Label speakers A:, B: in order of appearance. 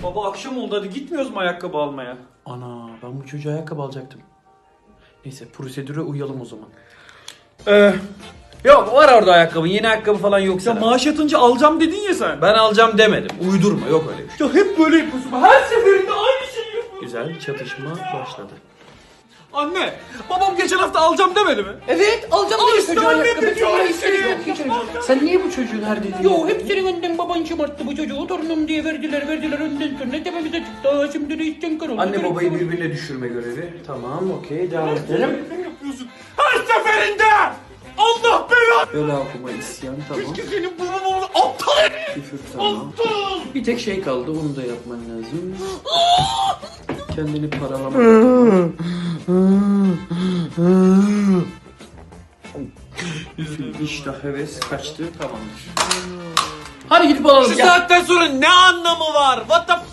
A: Baba akşam oldu, hadi gitmiyoruz mu ayakkabı almaya?
B: Ana, ben bu çocuğa ayakkabı alacaktım. Neyse, prosedüre uyalım o zaman.
C: Yok, var orada ayakkabı. Yeni ayakkabı falan yok
A: Ya
C: sana.
A: maaş yatınca alacağım dedin ya sen.
C: Ben alacağım demedim. Uydurma, yok öyle bir şey.
A: Ya hep böyle yapıyorsun. Her seferinde aynı şeyi yapıyorsun.
B: Güzel, çatışma başladı.
A: Anne, babam geçen hafta alacağım demedi mi?
D: Evet alacağım dedi çocuğa ayakkabı. Hiç yok, hiç yok.
B: Sen niye bu çocuğun her dediğini
D: Yo hep senin önden baban şımarttı bu çocuğu. Torunum diye verdiler önden sonra tepemize çıktı. Şimdi de içten kar oldu.
B: Anne babayı birbirine düşürme görevi. Tamam, okey, devam edelim.
A: Sen yapıyorsun. Her seferinde! Allah belanı!
B: Öyle okuma, isyan, tamam.
A: Senin babam aptal herif!
B: Küfür, tamam. Bir tek şey kaldı, onu da yapman lazım. Kendini paralama. İştah, heves kaçtı, tamamdır. Hadi gidip alalım.
C: Şu saatten sonra ne anlamı var? What the